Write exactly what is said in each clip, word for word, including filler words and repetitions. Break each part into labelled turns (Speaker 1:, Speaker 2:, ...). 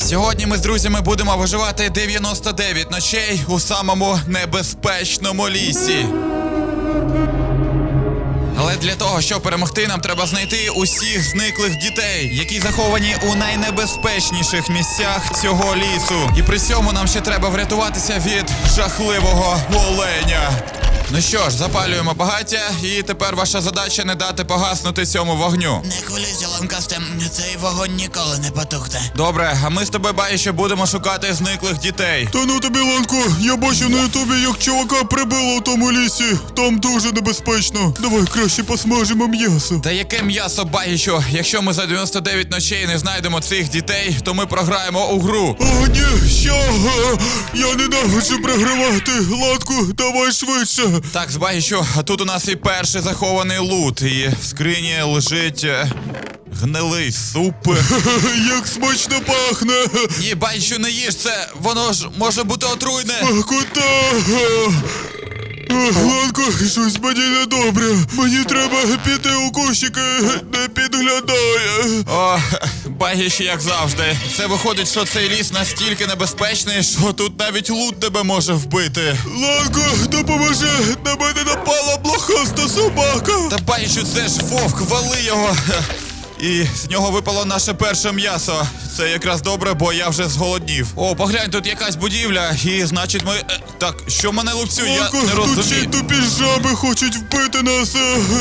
Speaker 1: Сьогодні ми з друзями будемо виживати дев'яносто дев'ять ночей у самому небезпечному лісі. Але для того, щоб перемогти, нам треба знайти усіх зниклих дітей, які заховані у найнебезпечніших місцях цього лісу. І при цьому нам ще треба врятуватися від жахливого оленя. Ну що ж, запалюємо багаття, і тепер ваша задача не дати погаснути цьому вогню.
Speaker 2: Не хвилюйся, Ланкасте, цей вогонь ніколи не потухне.
Speaker 1: Добре, а ми з тобою, Баїще, будемо шукати зниклих дітей.
Speaker 3: Та ну тобі, Ланко, я бачив на ютубі, як чувака прибило в тому лісі. Там дуже небезпечно. Давай краще посмажимо м'ясо.
Speaker 1: Та яке м'ясо, Багічо? Якщо ми за дев'яносто дев'ять ночей не знайдемо цих дітей, то ми програємо у гру.
Speaker 3: О, ні, що? Я ненавиджу програвати. Ланку, давай швидше.
Speaker 1: Так, Багічо, а тут у нас і перший захований лут, і в скрині лежить е, гнилий суп.
Speaker 3: Як смачно пахне.
Speaker 1: Ні, Багічо, не їж це, воно ж може бути отруйне.
Speaker 3: А куди? Ланко, щось мені недобре. Мені треба піти у кущики, не підглядає.
Speaker 1: О, Багіч, як завжди. Це виходить, що цей ліс настільки небезпечний, що тут навіть лут тебе може вбити.
Speaker 3: Ланко, допоможи, на мене напала блохаста собака.
Speaker 1: Та Багічу, це ж вовк, вали його. І з нього випало наше перше м'ясо. Це якраз добре, бо я вже зголоднів. О, поглянь, тут якась будівля, і значить ми... Е, так, що мене лупцює, я
Speaker 3: Ланко,
Speaker 1: не
Speaker 3: тут ще й
Speaker 1: розумію.
Speaker 3: тупі жаби хочуть вбити нас.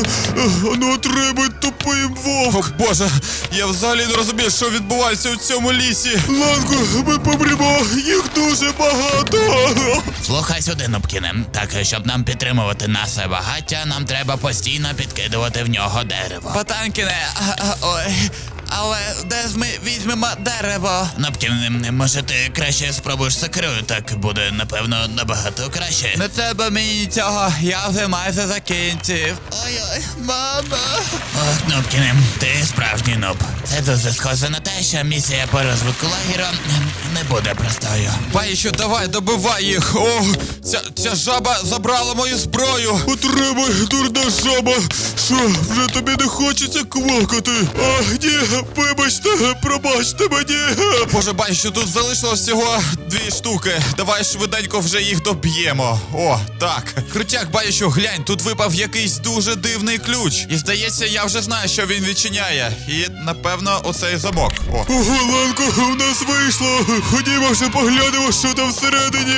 Speaker 3: Ну, отримують тупим
Speaker 1: О,
Speaker 3: вовк.
Speaker 1: Боже, я взагалі не розумію, що відбувається у цьому лісі.
Speaker 3: Ланко, ми помремо, їх дуже багато.
Speaker 2: Слухай сюди, Нубкіне. Так, щоб нам підтримувати наше багаття, нам треба постійно підкидувати в нього дерево.
Speaker 1: Потанкіне, а, а, ой, але де ж ми візьмемо дерево?
Speaker 2: Нубкіне, може ти краще спробуєш сокирою, так буде, напевно, набагато краще.
Speaker 1: Не треба мені цього, я вже майже закінчив. Ой-ой, мама.
Speaker 2: Ох, Нубкіне, ти справжній нуб. Це дуже схоже на те, що місія по розвитку лагерю не буде простою.
Speaker 1: Багічу, давай, добивай їх. О, ця, ця жаба забрала мою зброю.
Speaker 3: Отримай, дурна жаба. Що, вже тобі не хочеться квакати? А, ні, вибачте, пробачте мені.
Speaker 1: Боже, Багічу, тут залишилось всього дві штуки. Давай швиденько вже їх доб'ємо. О, так. Крутяк, Багічу, глянь, тут випав якийсь дуже дивний ключ. І здається, я вже знаю, що він відчиняє. І, напевно, оцей замок. О.
Speaker 3: Ого, Ланко, у нас вийшло. Ходімо вже поглянемо, що там всередині.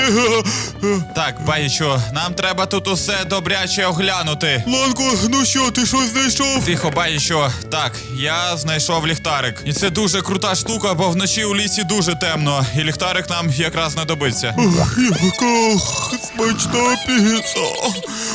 Speaker 1: Так, Багічу, нам треба тут усе добряче оглянути.
Speaker 3: Ланко, ну що, ти щось знайшов?
Speaker 1: Тихо, Багічу. Так, я знайшов ліхтарик. І це дуже крута штука, бо вночі у лісі дуже темно. І ліхтарик нам якраз знадобиться.
Speaker 3: Ох, яка смачна піца.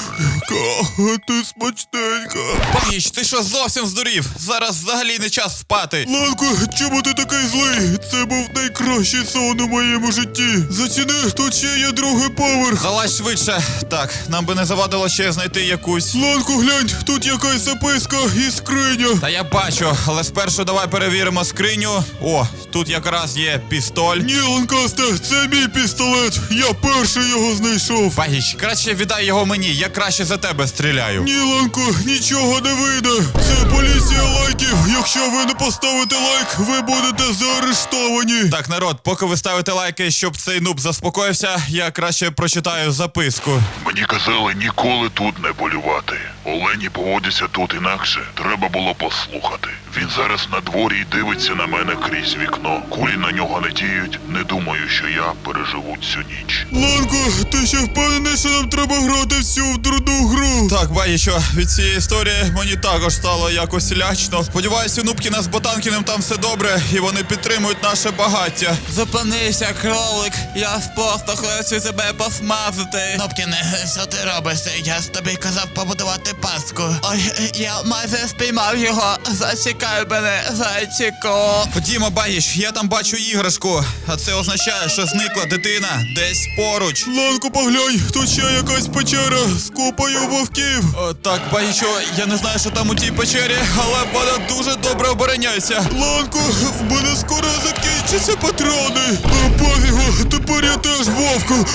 Speaker 3: Яка ти смачненька.
Speaker 1: Багіч, ти що, зовсім здурів? Зараз взагалі не час спати.
Speaker 3: Ланко, чому ти такий злий? Це був найкращий сон у моєму житті. Заціни, тут ще є другий поверх.
Speaker 1: Залазь швидше. Так, нам би не завадило ще знайти якусь.
Speaker 3: Ланко, глянь, тут якась записка і скриня.
Speaker 1: Та я бачу, але спершу давай перевіримо скриню. О, тут якраз є пістоль.
Speaker 3: Ні, Ланкасте, це мій пістолет. Я перший його знайшов.
Speaker 1: Багіч, краще віддай його мені, я краще за тебе стріляю.
Speaker 3: Ні, Ланко, нічого не вийде. Це поліція лайків. Якщо ви не поставите лайк, ви будете заарештовані.
Speaker 1: Так, народ, поки ви ставите лайки, щоб цей нуб заспокоївся, я краще прочитаю записку.
Speaker 4: Мені казали ніколи тут не полювати. Олені поводяться тут інакше. Треба було послухати. Він зараз на дворі і дивиться на мене крізь вікно. Кулі на нього не діють. Не думаю, що я переживу цю ніч.
Speaker 3: Ланко, ти ще впевнений, що нам треба грати всю в дурну гру?
Speaker 1: Так, Багічо, від цієї історії мені також стало якось лячно. Сподіваюся, у Нубкіна з Ботанкіним там все добре, і вони підтримують наше багаття. Зупинися, кролик, я просто хочу тебе посмазати.
Speaker 2: Нубкіне, що ти робиш? Я ж тобі казав побудувати пастку.
Speaker 1: Ой, я майже спіймав його. Зачекай мене, зайчику. Ходімо, Багіч, я там бачу іграшку. А це означає, що зникла дитина десь поруч.
Speaker 3: Ланко, поглянь, тут ще якась печера з купою вовків.
Speaker 1: О, так, Багічо, я не знаю, що там у тій печері, але вона дуже добре обороняється.
Speaker 3: Ланко, в мене скоро закінчаться патрони. Пофігу, тепер я теж вовку.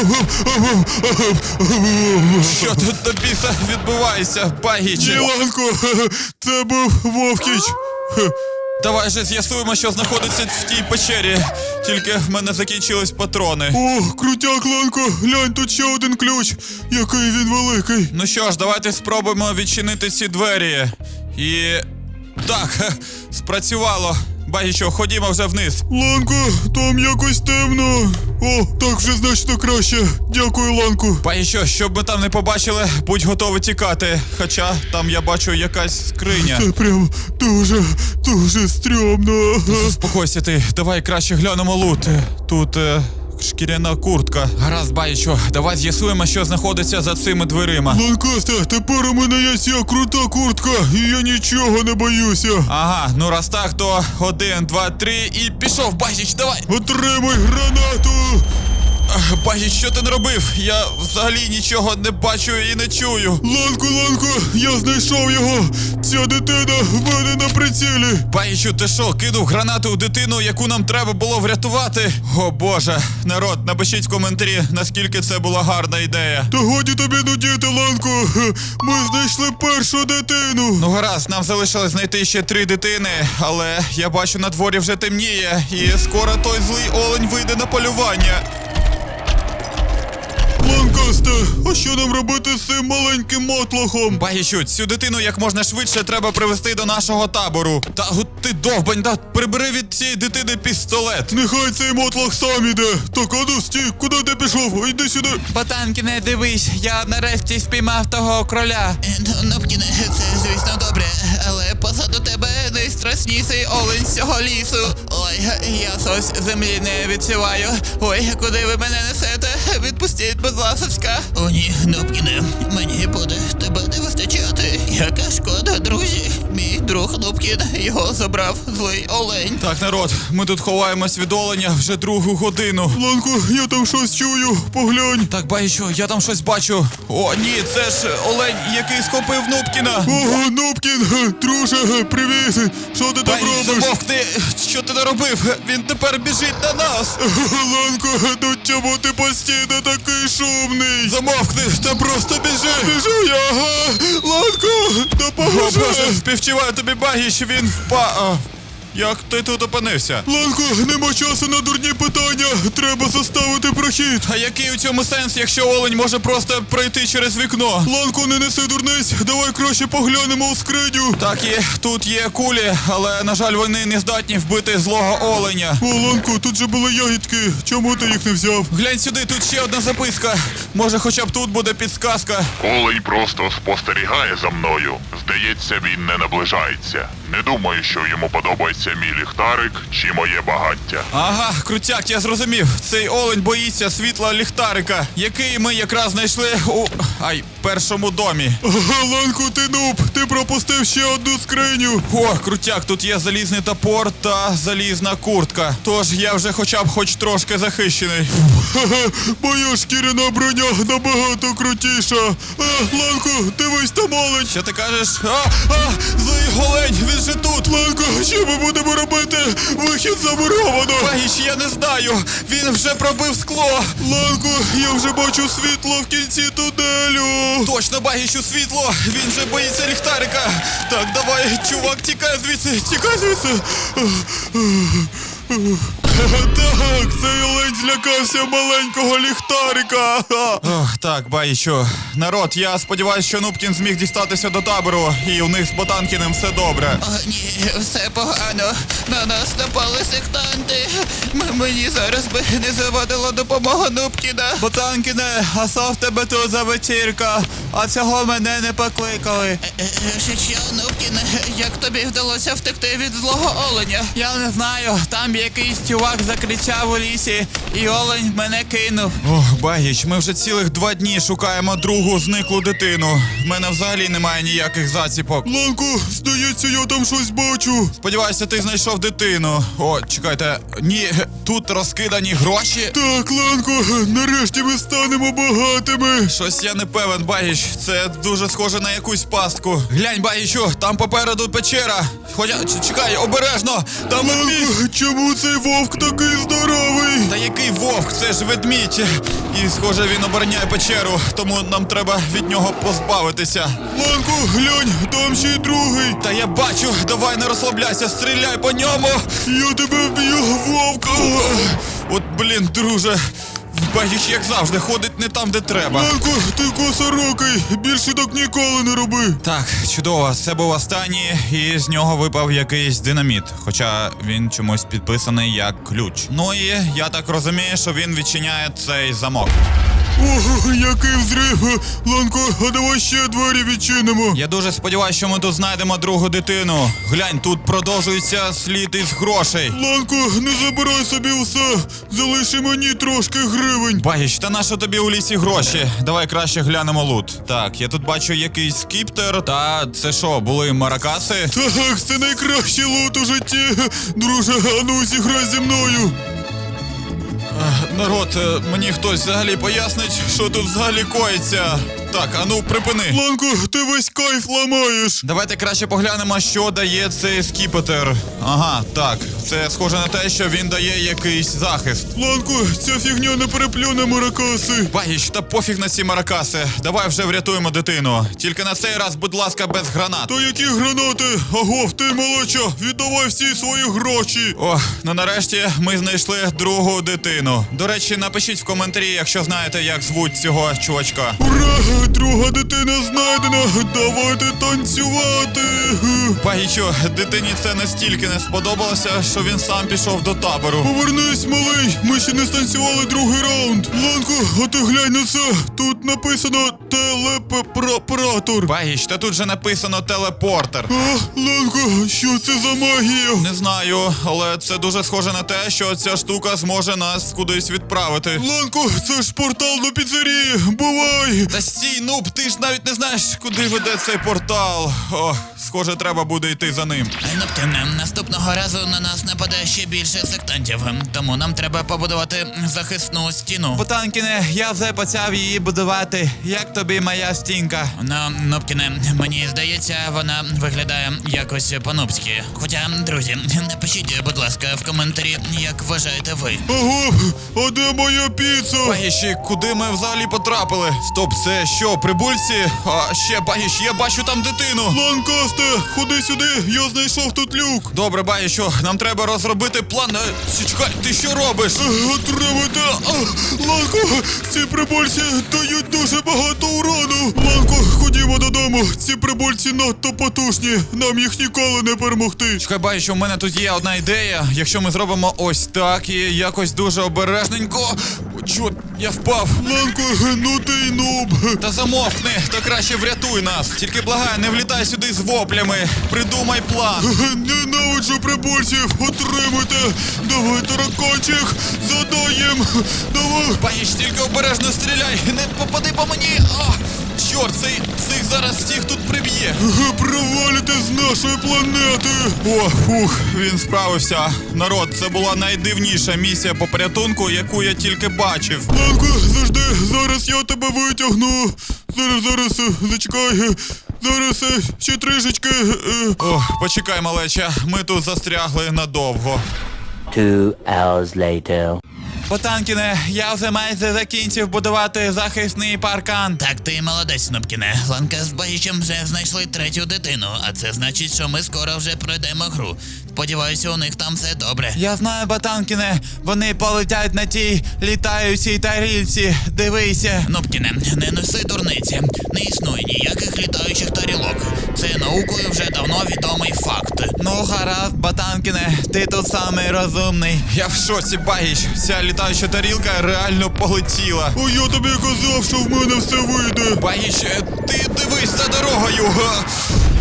Speaker 1: Що тут до біса відбувається, Багічі?
Speaker 3: Ні, Ланко, це був Вовкіч.
Speaker 1: Давай же з'ясуємо, що знаходиться в тій печері. тільки в мене закінчились патрони.
Speaker 3: О, крутяк, Ланко, глянь, тут ще один ключ. Який він великий.
Speaker 1: Ну що ж, давайте спробуємо відчинити ці двері. І... Так, хе, спрацювало. Багічо, ходімо вже вниз.
Speaker 3: Ланко, там якось темно. О, так вже значно краще. Дякую, Ланку.
Speaker 1: Багічо, щоб ми там не побачили, будь готовий тікати. Хоча там я бачу якась скриня.
Speaker 3: Це прям дуже, дуже стрьомно.
Speaker 1: Заспокойся ти, давай краще глянемо лут. Тут е, шкіряна куртка. Гаразд, Багічо, давай з'ясуємо, що знаходиться за цими дверима.
Speaker 3: Ланкасте, тепер у мене є ця крута куртка, і я нічого не боюся.
Speaker 1: Ага, ну раз так, то один, два, три і пішов, Багіч, давай!
Speaker 3: Отримай гранату!
Speaker 1: Ах, Багіч, що ти не робив? Я взагалі нічого не бачу і не чую.
Speaker 3: Ланко, Ланко, я знайшов його! Ця дитина в мене на прицілі!
Speaker 1: Багічу, ти що, кинув гранату у дитину, яку нам треба було врятувати? О боже, народ, напишіть в коментарі, наскільки це була гарна ідея.
Speaker 3: Та годі тобі нудіти, Ланко! Ми знайшли першу дитину!
Speaker 1: Ну гаразд, нам залишилось знайти ще три дитини, але я бачу, на дворі вже темніє, і скоро той злий олень вийде на полювання.
Speaker 3: Ланкасте, а що нам робити з цим маленьким мотлохом?
Speaker 1: Багічу, цю дитину як можна швидше треба привезти до нашого табору. Та гу, ти довбань, да прибери від цієї дитини пістолет.
Speaker 3: Нехай цей мотлох сам іде. Так, а ну стій, куди ти пішов? Йди сюди.
Speaker 1: Ботанки, не дивись, я нарешті спіймав того кроля.
Speaker 2: Нопкіне, це звісно добре, але позаду тебе найстрашніший олень з цього лісу. Ой, я щось землі не відчуваю. Ой, куди ви мене несете? Відпустіть, будь ласочка. О ні, Нопкіне, мені буде тебе не вистачати. Яка шкода, друзі. Мій друг Нопкін його забрав злий олень.
Speaker 1: Так, народ, ми тут ховаємось від оленя вже другу годину.
Speaker 3: Ланко, я там щось чую, поглянь.
Speaker 1: Так, Багічу, я там щось бачу. О, ні, це ж олень, який схопив Нубкіна.
Speaker 3: Ого, Нопкін, друже, привіт. Що ти там
Speaker 1: Багіч,
Speaker 3: робиш?
Speaker 1: замовкни, що ти наробив? Він тепер біжить на нас.
Speaker 3: Ланко, ну чому ти постійно такий шумний?
Speaker 1: Замовкни, та просто біжи.
Speaker 3: Біжу я, ага. Ланко,
Speaker 1: О,
Speaker 3: допоможи.
Speaker 1: Боже, співчуваю тобі, Багіч, він впав. Як ти тут опинився?
Speaker 3: Ланко, нема часу на дурні питання. Треба заставити прохід.
Speaker 1: А який у цьому сенс, якщо олень може просто пройти через вікно?
Speaker 3: Ланко, не неси дурниць. Давай краще поглянемо у скриню.
Speaker 1: Так, і тут є кулі, але, на жаль, вони не здатні вбити злого оленя.
Speaker 3: О, Ланко, тут же були ягідки. Чому ти їх не взяв?
Speaker 1: Глянь сюди, тут ще одна записка. Може, хоча б тут буде підсказка.
Speaker 4: Олень просто спостерігає за мною. Здається, він не наближається. Не думаю, що йому подобається мій ліхтарик чи моє багаття.
Speaker 1: Ага, крутяк, я зрозумів. Цей олень боїться світла ліхтарика, який ми якраз знайшли у ай, першому домі.
Speaker 3: Ага, Ланко, ти нуб. Ти пропустив ще одну скриню.
Speaker 1: О, крутяк, тут є залізний топор та залізна куртка. Тож я вже хоча б хоч трошки захищений.
Speaker 3: Ха-ха, моя шкіряна броня набагато крутіша. А, Ланко, дивись там олень.
Speaker 1: Що ти кажеш? А, а, злий олень, він же тут.
Speaker 3: Ланко, що ми будемо робити? Вихід замуровано.
Speaker 1: Багіч, я не знаю. Він вже пробив скло.
Speaker 3: Ланко, я вже бачу світло в кінці тунелю.
Speaker 1: Точно, Багічу, світло. Він же боїться ліхтарика. Так, давай, чувак, тікай звідси, тікай звідси.
Speaker 3: Так, цей олень злякався маленького ліхтарика.
Speaker 1: Ох, так, Багічу. Народ, я сподіваюся, що Нубкін зміг дістатися до табору, і у них з Ботанкіним все добре.
Speaker 2: О, ні, все погано. На нас напали сектанти. М- мені зараз би не завадила допомога Нубкіна.
Speaker 1: Ботанкіне, а що в тебе тут за вечірка? А цього мене не покликали.
Speaker 2: Е, е, Що, що, Нубкін, як тобі вдалося втекти від злого оленя?
Speaker 1: Я не знаю, там якийсь чувак закричав у лісі, і олень мене кинув. Ох, Багіч, ми вже цілих два дні шукаємо другу зниклу дитину. В мене взагалі немає ніяких заціпок.
Speaker 3: Ланко, здається, я там щось бачу.
Speaker 1: Сподіваюся, ти знайшов дитину. О, чекайте, ні, тут розкидані гроші.
Speaker 3: Так, Ланко, нарешті ми станемо багатими.
Speaker 1: Щось я не певен, Багіч, це дуже схоже на якусь пастку. Глянь, Багічу, там попереду печера. Хоча, ч- чекай, обережно, там ведмідь.
Speaker 3: Ланко, чому цей вовк такий здоровий?
Speaker 1: Та який вовк, це ж ведмідь. І, схоже, він обороняє печеру, тому нам треба від нього позбавитися.
Speaker 3: Ланко, глянь, там ще й другий.
Speaker 1: Та я бачу, давай не розслабляйся, стріляй по ньому.
Speaker 3: Я тебе вб'ю, вовка.
Speaker 1: От, блін, друже, Багіч, як завжди, ходить не там, де треба.
Speaker 3: Ланко, ти косорокий, більше так ніколи не роби.
Speaker 1: Так, чудово, це був останній, і з нього випав якийсь динаміт, хоча він чомусь підписаний як ключ. Ну і я так розумію, що він відчиняє цей замок.
Speaker 3: Ого, який взрив. Ланко, а давай ще двері відчинимо.
Speaker 1: Я дуже сподіваюся, що ми тут знайдемо другу дитину. Глянь, тут продовжується слід із грошей.
Speaker 3: Ланко, не забирай собі все. Залиши мені трошки гривень.
Speaker 1: Багіч, та нащо тобі у лісі гроші? Давай краще глянемо лут. Так, я тут бачу якийсь скіптер. Та це що, були маракаси?
Speaker 3: Так, це найкращий лут у житті. Друже, а ну зіграй зі мною.
Speaker 1: Народ, е, мені хтось взагалі пояснить, що тут взагалі коїться. Так, а ну припини.
Speaker 3: Ланко, ти весь кайф ламаєш.
Speaker 1: Давайте краще поглянемо, що дає цей скіпетр. Ага, так. Це схоже на те, що він дає якийсь захист.
Speaker 3: Ланко, ця фігня не переплюне маракаси.
Speaker 1: Багіч, та пофіг на ці маракаси. Давай вже врятуємо дитину. Тільки на цей раз, будь ласка, без гранат.
Speaker 3: Та які гранати? Агов, ти молодча, віддавай всі свої гроші.
Speaker 1: О, ну нарешті ми знайшли другу дитину. До речі, напишіть в коментарі, якщо знаєте, як звуть цього чувачка.
Speaker 3: Ура! Друга дитина знайдена! Давайте танцювати!
Speaker 1: Багічу, дитині це настільки не сподобалося, що він сам пішов до табору.
Speaker 3: Повернись, малий! Ми ще не станцювали другий раунд! Ланко, а ти глянь на це! Тут написано телепоратор.
Speaker 1: Багіч, та тут же написано телепортер.
Speaker 3: А, Ланко, що це за магія?
Speaker 1: Не знаю, але це дуже схоже на те, що ця штука зможе нас кудись відправити.
Speaker 3: Ланко, це ж портал до піцерії! Бувай!
Speaker 1: Та стій, нуб, ти ж навіть не знаєш, куди веде цей портал. О, схоже, треба буде йти за ним.
Speaker 2: Ноптіне, наступного разу на нас нападе ще більше сектантів, тому нам треба побудувати захисну стіну.
Speaker 1: Потанкіне, я вже почав її будувати. Як тобі моя стінка?
Speaker 2: Ну, Нопкіне, мені здається, вона виглядає якось по-нубськи. Хоча, друзі, напишіть, будь ласка, в коментарі, як вважаєте ви.
Speaker 3: Агов, а де моя піца?
Speaker 1: Багіші, куди ми взагалі потрапили? Стоп, це що, прибульці? А ще, Багіш, я бачу там дитину.
Speaker 3: Ланкасте, ходи сюди, я знайшов тут люк.
Speaker 1: Добре, Багішу, нам треба розробити план. Е, Чекай, ти що робиш?
Speaker 3: Отримайте! А, Ланко, ці прибульці дають дуже багато урону. Ланко, ходімо додому. Ці прибульці надто потужні. Нам їх ніколи не перемогти.
Speaker 1: Чекай, Багішу, у мене тут є одна ідея. Якщо ми зробимо ось так і якось дуже обережненько. О, чорт, я впав.
Speaker 3: Ланко, ну ти й нуб.
Speaker 1: Та замовкни, та краще врятуй нас. Тільки благаю, не влітай сюди з воплями. Придумай план.
Speaker 3: Ненавиджу прибульців. Отримуйте. Давай, тараканчик. Задаєм. Давай.
Speaker 1: Багіш, тільки обережно стріляй. Не попади по мені. О, чорт, цей, цих зараз всіх тут приб'є.
Speaker 3: Провалите з нашої планети.
Speaker 1: О, фух, він справився. Народ, це була найдивніша місія по порятунку, яку я тільки бачив.
Speaker 3: Ланко, завжди, зараз я тебе витягну. Зараз, зараз, е, зачекай. е, Зараз е, ще трішечки. е.
Speaker 1: О, почекай, малеча, ми тут застрягли надовго.
Speaker 5: Two hours later.
Speaker 1: Потанкіне, я вже майже закінчив будувати захисний паркан.
Speaker 2: Так, ти молодець, Нопкіне. Ланка з Багічем вже знайшли третю дитину, а це значить, що ми скоро вже пройдемо гру. Сподіваюся, у них там все добре.
Speaker 1: Я знаю, Ботанкіне, вони полетять на тій літаючій тарілці. Дивися.
Speaker 2: Нопкіне, не неси дурниці. Не існує ніяких літаючих тарілок. Це наукою вже давно відомий факт.
Speaker 1: Ну, гаразд, Ботанкіне, ти тут самий розумний. Я в шоці, Багіч. Ця літаюча тарілка реально полетіла.
Speaker 3: О, я тобі казав, що в мене все вийде.
Speaker 1: Багіч, ти дивись за дорогою. Га.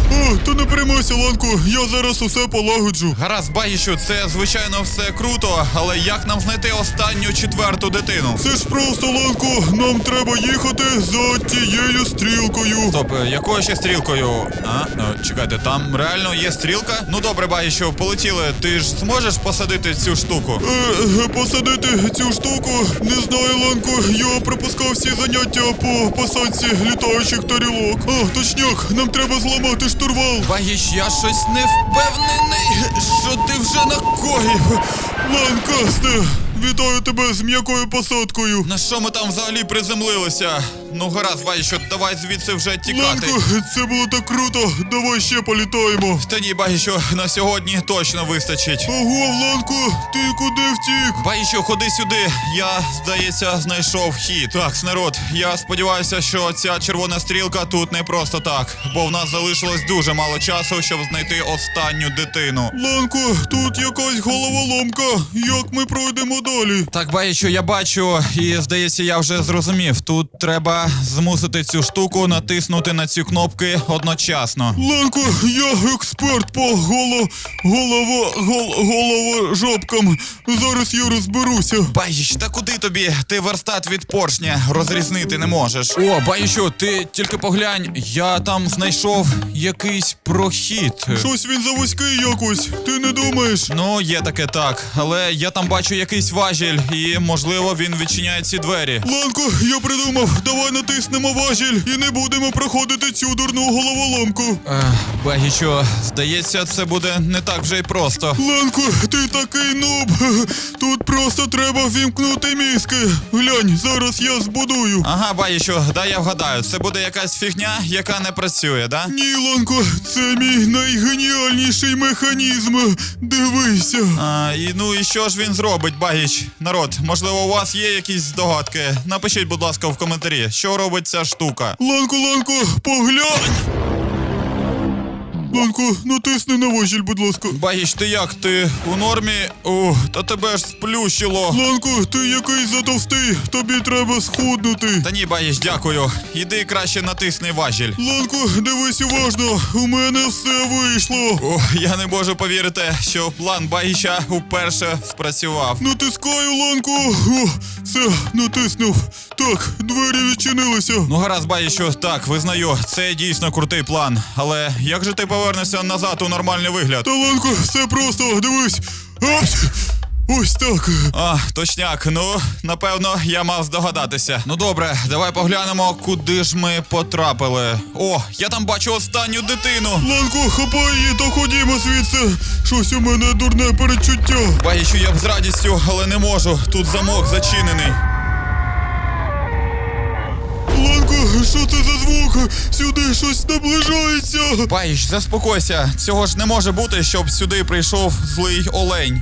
Speaker 3: О, то не переймайся, Ланко, я зараз усе полагоджу.
Speaker 1: Гаразд, Багічу, це звичайно все круто, але як нам знайти останню четверту дитину?
Speaker 3: Це ж просто, Ланко, нам треба їхати за тією стрілкою.
Speaker 1: Стоп, е, якою ще стрілкою? А, е, чекайте, там реально є стрілка? Ну добре, Багічу, полетіли. Ти ж зможеш посадити цю штуку?
Speaker 3: Е, посадити цю штуку, не знаю, Ланко, я пропускав всі заняття по посадці літаючих тарілок. А, точняк, нам треба зламати штурвал.
Speaker 1: Багіч, я щось не впевнений, що ти вже накоїв.
Speaker 3: Ланкасте, вітаю тебе з м'якою посадкою.
Speaker 1: На що ми там взагалі приземлилися? Ну гаразд, Багічу, давай звідси вже тікати.
Speaker 3: Ланко, це було так круто, давай ще політаємо.
Speaker 1: Та ні, Багічу, на сьогодні точно вистачить.
Speaker 3: Ого, Ланко, ти куди втік?
Speaker 1: Багічу, ходи сюди. Я, здається, знайшов хід. Так, народ, я сподіваюся, що ця червона стрілка тут не просто так, бо в нас залишилось дуже мало часу, щоб знайти останню дитину.
Speaker 3: Ланко, тут якась головоломка. Як ми пройдемо далі?
Speaker 1: Так, Багічу, я бачу, і здається, я вже зрозумів. Тут треба змусити цю штуку натиснути на ці кнопки одночасно.
Speaker 3: Ланко, я експерт по голо... голова... гол... головожопкам. Зараз я розберуся.
Speaker 1: Багіч, та куди тобі? Ти верстат від поршня розрізнити не можеш. О, Багічу, ти тільки поглянь, я там знайшов якийсь прохід.
Speaker 3: Щось він завузький якось, ти не думаєш?
Speaker 1: Ну, є таке так, але я там бачу якийсь важіль, і, можливо, він відчиняє ці двері.
Speaker 3: Ланко, я придумав, давай натиснемо важіль і не будемо проходити цю дурну головоломку.
Speaker 1: Ех, Багічу, здається, це буде не так вже й просто.
Speaker 3: Ланко, ти такий нуб. Тут просто треба ввімкнути мізки. Глянь, зараз я збудую.
Speaker 1: Ага, Багічу, дай я вгадаю, це буде якась фігня, яка не працює, да?
Speaker 3: Ні, Ланко, це мій найгеніальніший механізм. Дивися.
Speaker 1: А, і ну і що ж він зробить, Багіч? Народ, можливо, у вас є якісь здогадки? Напишіть, будь ласка, в коментарі, що робить ця штука.
Speaker 3: Ланко, Ланко, поглянь. Ланко, натисни на важіль, будь ласка.
Speaker 1: Багіч, ти як? Ти у нормі? О, та тебе ж сплющило.
Speaker 3: Ланко, ти який затовстий, тобі треба схуднути.
Speaker 1: Та ні, Багіч, дякую. Іди краще натисни важіль.
Speaker 3: Ланко, дивись уважно, у мене все вийшло.
Speaker 1: О, я не можу повірити, що план Багіча уперше спрацював.
Speaker 3: Натискаю, Ланко. О, все, натиснув. Так, двері відчинилися.
Speaker 1: Ну гаразд, Багічу, так, визнаю, це дійсно крутий план. Але як же ти повернешся назад у нормальний вигляд?
Speaker 3: Та, Ланко, все просто, дивись. Апс! Ось так.
Speaker 1: А, точняк, ну, напевно, я мав здогадатися. Ну добре, давай поглянемо, куди ж ми потрапили. О, я там бачу останню дитину.
Speaker 3: Ланко, хапай її та ходімо звідси. Щось у мене дурне передчуття.
Speaker 1: Багічу, я б з радістю, але не можу. Тут замок зачинений.
Speaker 3: Ланко, що це за звук? Сюди щось наближається.
Speaker 1: Багіч, заспокойся. Цього ж не може бути, щоб сюди прийшов злий олень.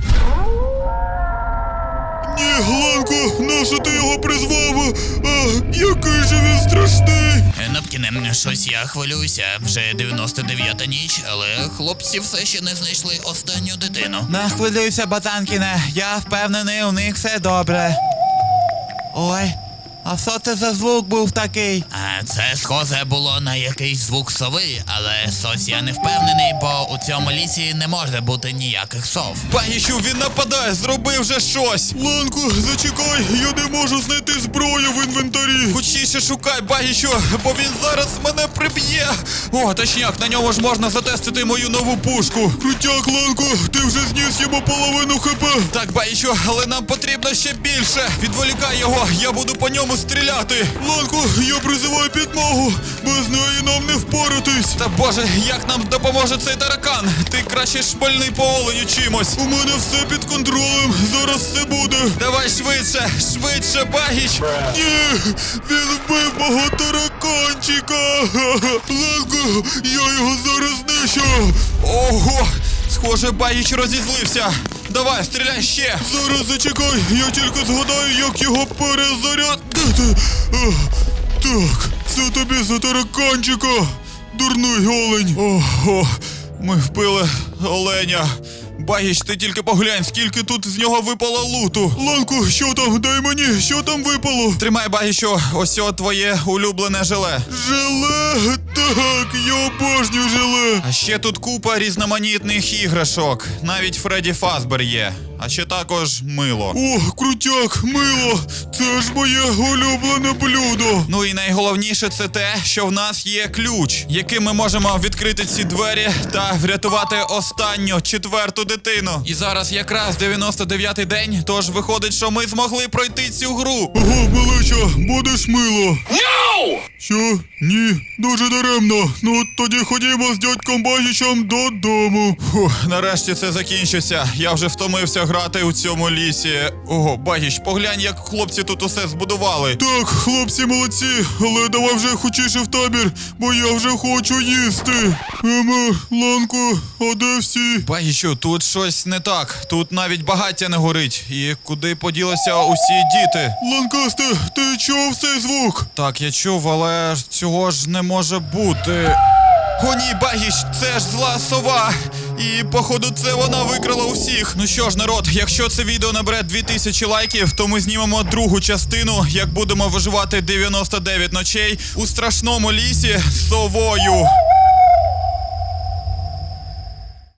Speaker 3: Ні, Ланко, нащо ти його призвав? А, який же він страшний.
Speaker 2: Напкіне, щось я хвилююся. Вже дев'яносто дев'ята ніч, але хлопці все ще не знайшли останню дитину.
Speaker 1: Не хвилюйся, Батанкіне, я впевнений, у них все добре. Ой, а що це за звук був такий?
Speaker 2: А це схоже було на якийсь звук сови, але щось я не впевнений, бо у цьому лісі не може бути ніяких сов.
Speaker 1: Багічу, він нападає, зроби вже щось.
Speaker 3: Ланко, зачекай, я не можу знайти зброю в інвентарі.
Speaker 1: Хочіше шукай, Багічу, бо він зараз мене приб'є. О, точняк, на ньому ж можна затестити мою нову пушку.
Speaker 3: Крутяк, Ланко, ти вже зніс йому половину хп.
Speaker 1: Так, Багічу, але нам потрібно ще більше. Відволікай його, я буду по ньому стріляти.
Speaker 3: Ланко, я призиваю підмогу. Без неї нам не впоратись.
Speaker 1: Та боже, як нам допоможе цей таракан? Ти краще шпальний по оленю чимось.
Speaker 3: У мене все під контролем. Зараз все буде.
Speaker 1: Давай швидше, швидше, Багіч.
Speaker 3: Ні, він вбив мого тараканчика. Ланко, я його зараз знищу.
Speaker 1: Ого, схоже, Багіч розізлився. Давай, стріляй ще.
Speaker 3: Зараз зачекай, я тільки згадаю, як його перезарядити. Ах, так, це тобі за тараканчика, дурний олень.
Speaker 1: Ого, ми вбили оленя. Багіч, ти тільки поглянь, скільки тут з нього випало луту.
Speaker 3: Ланко, що там? Дай мені, що там випало?
Speaker 1: Тримай, Багічу, ось о твоє улюблене желе.
Speaker 3: Желе? Так, я обожнюю желе.
Speaker 1: А ще тут купа різноманітних іграшок. Навіть Фредді Фазбер є. А ще також мило.
Speaker 3: О, крутяк, мило. Це ж моє улюблене блюдо.
Speaker 1: Ну і найголовніше це те, що в нас є ключ, яким ми можемо відкрити ці двері та врятувати останню четверту дитину. І зараз якраз дев'яносто дев'ятий день, тож виходить, що ми змогли пройти цю гру.
Speaker 3: Ого, малеча, будеш мило. No! Що? Ні, дуже даремно. Ну тоді ходімо з дядьком Багічем додому.
Speaker 1: Фух, нарешті це закінчиться. Я вже втомився грати у цьому лісі. Ого, Багіч, поглянь, як хлопці тут усе збудували.
Speaker 3: Так, хлопці молодці, але давай вже хочіше в табір, бо я вже хочу їсти. Ема, Ланко, а де всі?
Speaker 1: Багічу, тут щось не так. Тут навіть багаття не горить. І куди поділися усі діти?
Speaker 3: Ланкасте, ти чув цей звук?
Speaker 1: Так, я чув, але ж цього ж не може бути. О ні, Багіч, це ж зла сова. І, походу, це вона викрала усіх. Ну що ж, народ, якщо це відео набере дві тисячі лайків, то ми знімемо другу частину, як будемо виживати дев'яносто дев'ять ночей у страшному лісі з совою.